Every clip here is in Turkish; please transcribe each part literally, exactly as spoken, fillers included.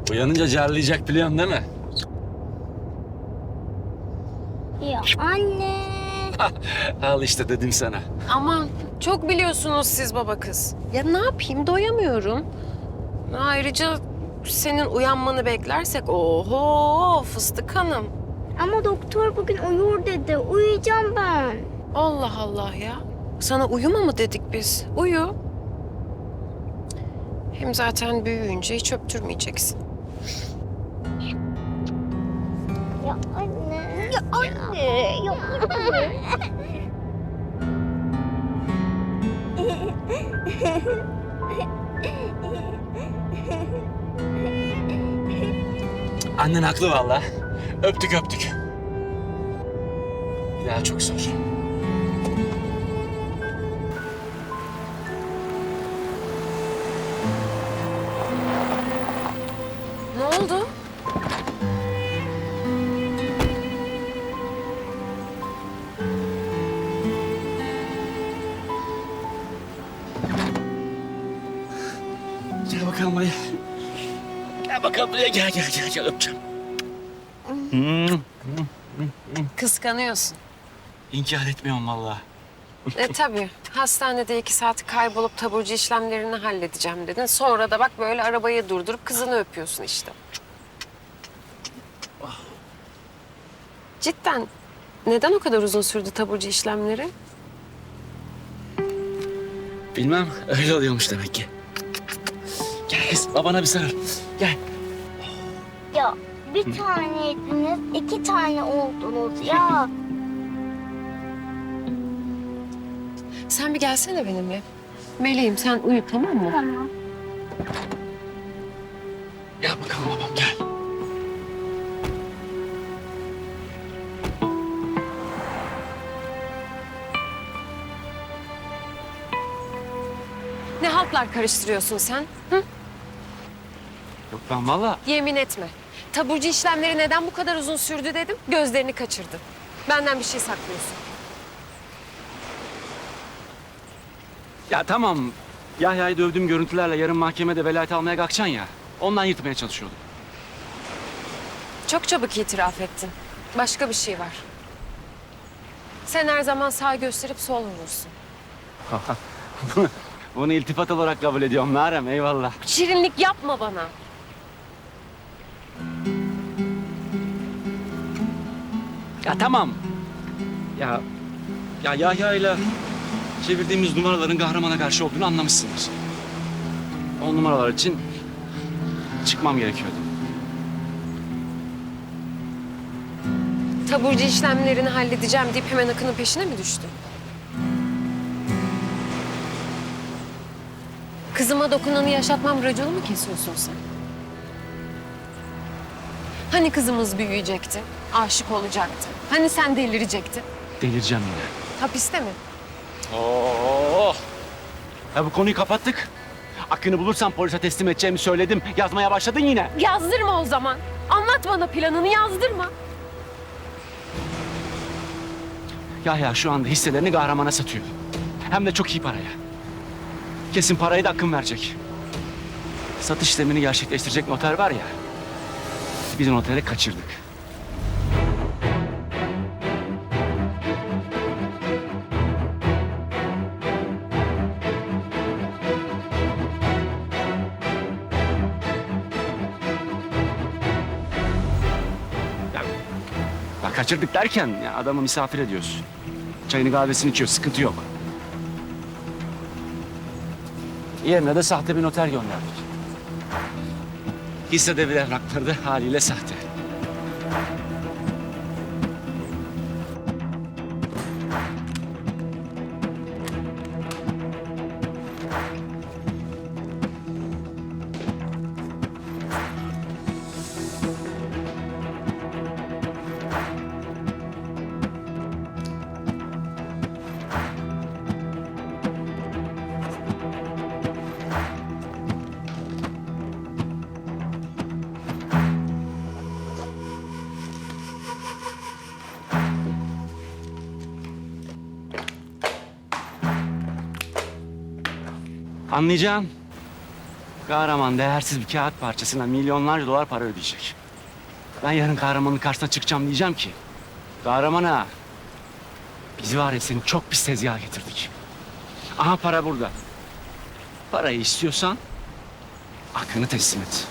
Uyanınca carlayacak biliyorsun değil mi? Ya anne. Al işte dedim sana. Aman çok biliyorsunuz siz baba kız. Ya ne yapayım doyamıyorum. Ayrıca senin uyanmanı beklersek oho fıstık hanım. Ama doktor bugün uyur dedi. Uyuyacağım ben. Allah Allah ya. Sana uyuma mı dedik biz? Uyu. Hem zaten büyüyünce hiç öptürmeyeceksin. Ya anne. Ya anne. Ya anne. Annen haklı vallahi. Öptük öptük. Bir daha çok zor. Ne oldu? Gel bakalım buraya. Gel bakalım buraya. Gel gel gel gel öpeceğim. Hmm. Kıskanıyorsun. İnkar etmiyorum vallahi. E tabii. Hastanede iki saat kaybolup taburcu işlemlerini halledeceğim dedin. Sonra da bak böyle arabayı durdurup kızını öpüyorsun işte. Cidden neden o kadar uzun sürdü taburcu işlemleri? Bilmem öyle oluyormuş demek ki. Gel kız babana bir sarıl. Gel. Ya bir taneydiniz, iki tane oldunuz ya. Sen bir gelsene benimle. Meleğim sen uyu tamam mı? Tamam. Gel bakalım babam gel. Ne haltlar karıştırıyorsun sen? Hı? Yok ben vallahi. Yemin etme. Taburcu işlemleri neden bu kadar uzun sürdü dedim. Gözlerini kaçırdın. Benden bir şey saklıyorsun. Ya tamam. Yahya'yı dövdüğüm görüntülerle yarın mahkemede velayet almaya kalkacaksın ya. Ondan yırtmaya çalışıyordum. Çok çabuk itiraf ettin. Başka bir şey var. Sen her zaman sağ gösterip sol vurursun. Bunu iltifat olarak kabul ediyorum Meryem eyvallah. Şirinlik yapma bana. Ya tamam. Ya ya Yahya'yla çevirdiğimiz numaraların kahramana karşı olduğunu anlamışsınız. O numaralar için çıkmam gerekiyordu. Taburcu işlemlerini halledeceğim deyip hemen Akın'ın peşine mi düştün? Kızıma dokunanı yaşatmam raconu mu kesiyorsun sen? Hani kızımız büyüyecekti, aşık olacaktı? Hani sen delirecektin? Delireceğim yine. Hapiste mi? Oo. Ya bu konuyu kapattık. Akın'ı bulursam polise teslim edeceğimi söyledim. Yazmaya başladın yine. Yazdırma o zaman. Anlat bana planını, yazdırma. Yahya şu anda hisselerini kahramana satıyor. Hem de çok iyi paraya. Kesin parayı da Akın verecek. Satış işlemini gerçekleştirecek noter var ya. Biz o noteri kaçırdık. Ya, ya kaçırdık derken ya adamı misafir ediyoruz. Çayını kahvesini içiyor, sıkıntı yok. Yerine de sahte bir noter gönderdik. Hisse devir evrakları da haliyle sahte. Anlayacaksın. Kahraman değersiz bir kağıt parçasına milyonlarca dolar para ödeyecek. Ben yarın kahramanın karşısına çıkacağım diyeceğim ki... Kahramana, biz var ya seni çok pis tezgaha getirdik. Aha para burada. Parayı istiyorsan hakkını teslim et.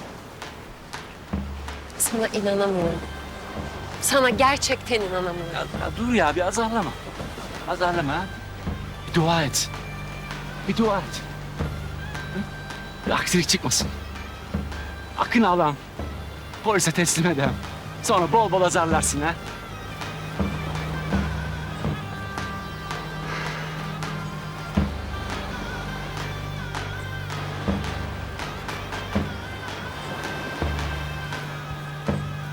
Sana inanamıyorum. Sana gerçekten inanamıyorum. Ya, ya dur ya bir azarlama. Azarlama ha. Bir dua et. Bir dua et. Hı? Bir aksilik çıkmasın. Akın alam. Polise teslim edem. Sonra bol bol azarlarsın ha.